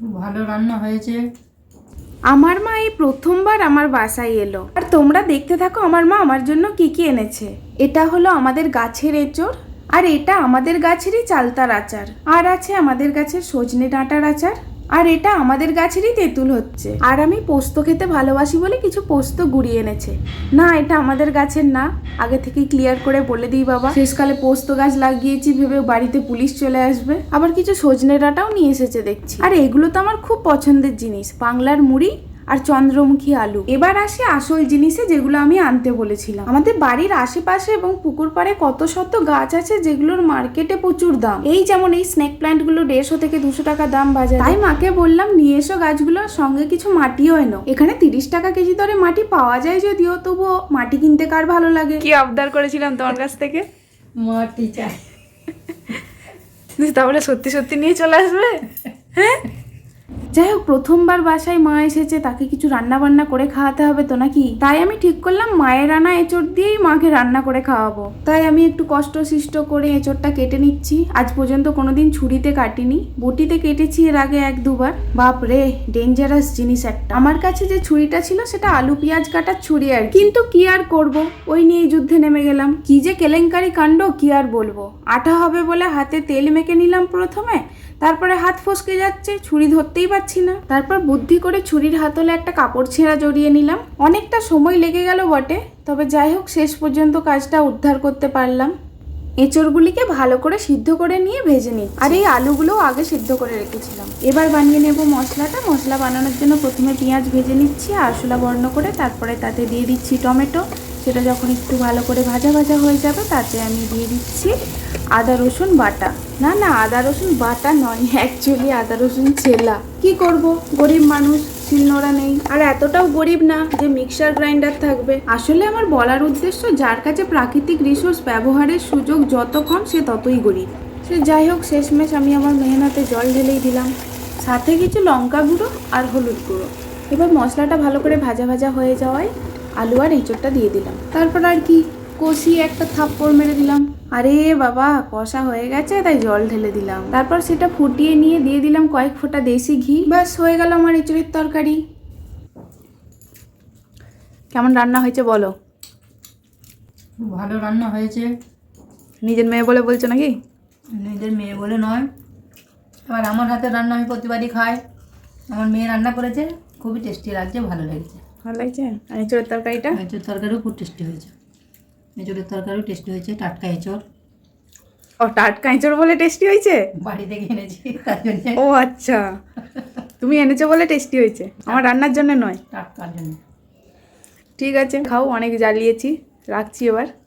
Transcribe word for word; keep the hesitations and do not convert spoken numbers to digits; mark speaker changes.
Speaker 1: ভালো রান্না হয়েছে।
Speaker 2: আমার মা এই প্রথমবার আমার বাসায় এলো, আর তোমরা দেখতে থাকো আমার মা আমার জন্য কি কি এনেছে। এটা হলো আমাদের গাছের এঁচড়, আর এটা আমাদের গাছেরই চালতার আচার, আর আছে আমাদের গাছের সজনে ডাঁটার আচার, আর এটা আমাদের গাছেরই তেঁতুল হচ্ছে। আর আমি পোস্ত খেতে ভালোবাসি বলে কিছু পোস্ত গুঁড়িয়ে এনেছে। না, এটা আমাদের গাছের না, আগে থেকেই ক্লিয়ার করে বলে দিই বাবা, শেষকালে পোস্ত গাছ লাগিয়েছি ভেবে বাড়িতে পুলিশ চলে আসবে। আবার কিছু সজনে ডাঁটাও নিয়ে এসেছে দেখছি। আর এগুলো তো আমার খুব পছন্দের জিনিস, বাংলার মুড়ি আর চন্দ্রমুখী আলু। এবার আসি আসল জিনিসে, যেগুলো আমি আনতে বলেছিলাম। আমাদের বাড়ির আশেপাশে এবং পুকুর পাড়ে কত শত গাছ আছে যেগুলোর মার্কেটে প্রচুর দাম। এই যেমন এই স্নেক প্ল্যান্ট গুলো দেড়শো থেকে দুশো টাকা দাম বাজারে। তাই মাকে বললাম নিয়ে এসো গাছগুলো, সঙ্গে কিছু মাটিও এনো। এখানে তিরিশ টাকা কেজি দরে মাটি পাওয়া যায় যদিও, তবুও মাটি কিনতে কার ভালো লাগে। কি আবদার করেছিলাম তোমার কাছ থেকে?
Speaker 1: মাটি চাই।
Speaker 2: তাহলে সত্যি সত্যি নিয়ে চলে আসবে? হ্যাঁ, যাই হোক, প্রথমবার বাসায় মা এসেছে, তাকে কিছু রান্না বান্না করে খাওয়াতে হবে তো নাকি। তাই আমি ঠিক করলাম মায়ের আনা এঁচড় দিয়েই মাকে রান্না করে খাওয়াবো। তাই আমি একটু কষ্ট সৃষ্ট করে এঁচড়টা কেটে নিচ্ছি। আজ পর্যন্ত কোনোদিন ছুরিতে কাটিনি, বটিতে কেটেছি এর আগে এক দুবার। বাপ রে, ডেঞ্জারাস জিনিস একটা। আমার কাছে যে ছুরিটা ছিল সেটা আলু পেঁয়াজ কাটার ছুরি আর, কিন্তু কি আর করব, ওই নিয়ে যুদ্ধে নেমে গেলাম। কি যে কেলেঙ্কারি কাণ্ড, কি আর বলবো। আঠা হবে বলে হাতে তেল মেখে নিলাম প্রথমে, তারপরে হাত ফসকে যাচ্ছে, ছুরি ধরতেই পারছি না। তারপর বুদ্ধি করে ছুরির হাতলে একটা কাপড় ছেঁড়া জড়িয়ে নিলাম। অনেকটা সময় লেগে গেল বটে, তবে যাই হোক শেষ পর্যন্ত কাজটা উদ্ধার করতে পারলাম। এঁচড়গুলিকে ভালো করে সিদ্ধ করে নিয়ে ভেজে নিই, আর এই আলুগুলোও আগে সিদ্ধ করে রেখেছিলাম। এবার বানিয়ে নেব মশলাটা। মশলা বানানোর জন্য প্রথমে পেঁয়াজ ভেজে নিচ্ছি আরশোলা বর্ণ করে, তারপরে তাতে দিয়ে দিচ্ছি টমেটো। সেটা যখন একটু ভালো করে ভাজা ভাজা হয়ে যাবে তাতে আমি দিয়ে দিচ্ছি আদা রসুন বাটা। না না, আদা রসুন বাটা নয়, অ্যাকচুয়ালি আদা রসুন ছেলা। কি করব, গরিব মানুষ, শিলনোড়া নেই, আর এতটাও গরিব না যে মিক্সার গ্রাইন্ডার থাকবে। আসলে আমার বলার উদ্দেশ্য, যার কাছে প্রাকৃতিক রিসোর্স ব্যবহারের সুযোগ যত কম সে ততই গরিব। সে যাই হোক, শেষমেশ আমি আমার মেহনতে জল ঢেলেই দিলাম, সাথে কিছু লঙ্কা গুঁড়ো আর হলুদ গুঁড়ো। এবার মশলাটা ভালো করে ভাজা ভাজা হয়ে যাওয়ায় আলু আর এঁচড়টা দিয়ে দিলাম। তারপর আর কি, কষিয়ে একটা থাপ্পড় মেরে দিলাম। আরে বাবা, কষা হয়ে গেছে তাই জল ঢেলে দিলাম। তারপর সেটা ফুটিয়ে নিয়ে দিয়ে দিলাম কয়েক ফোঁটা দেশি ঘি। ব্যাস হয়ে গেল আমার এঁচড়ের তরকারি। কেমন রান্না হয়েছে বলো?
Speaker 1: ভালো রান্না হয়েছে।
Speaker 2: নিজের মেয়ে বলে বলছো নাকি?
Speaker 1: নিজের মেয়ে বলে নয়, আবার আমার হাতে রান্না আমি প্রতিবারই খাই। আমার মেয়ে রান্না করেছে, খুবই টেস্টি লাগছে, ভালো লেগেছে।
Speaker 2: ভালো লাগছে। আর এঁচড়ের তরকারিটা?
Speaker 1: এঁচড়ের তরকারিও খুব টেস্টি হয়েছে। এঁচড়ের তরকারিও টেস্টি হয়েছে, টাটকা এঁচড়।
Speaker 2: ও, টাটকা এঁচড় বলে টেস্টি হয়েছে?
Speaker 1: বাড়ি থেকে এনেছি তার জন্য।
Speaker 2: ও আচ্ছা, তুমি এনেছো বলে টেস্টি হয়েছে, আমার রান্নার জন্য নয়।
Speaker 1: টাটকার জন্য।
Speaker 2: ঠিক আছে, খাও, অনেক জ্বালিয়েছি, রাখছি এবার।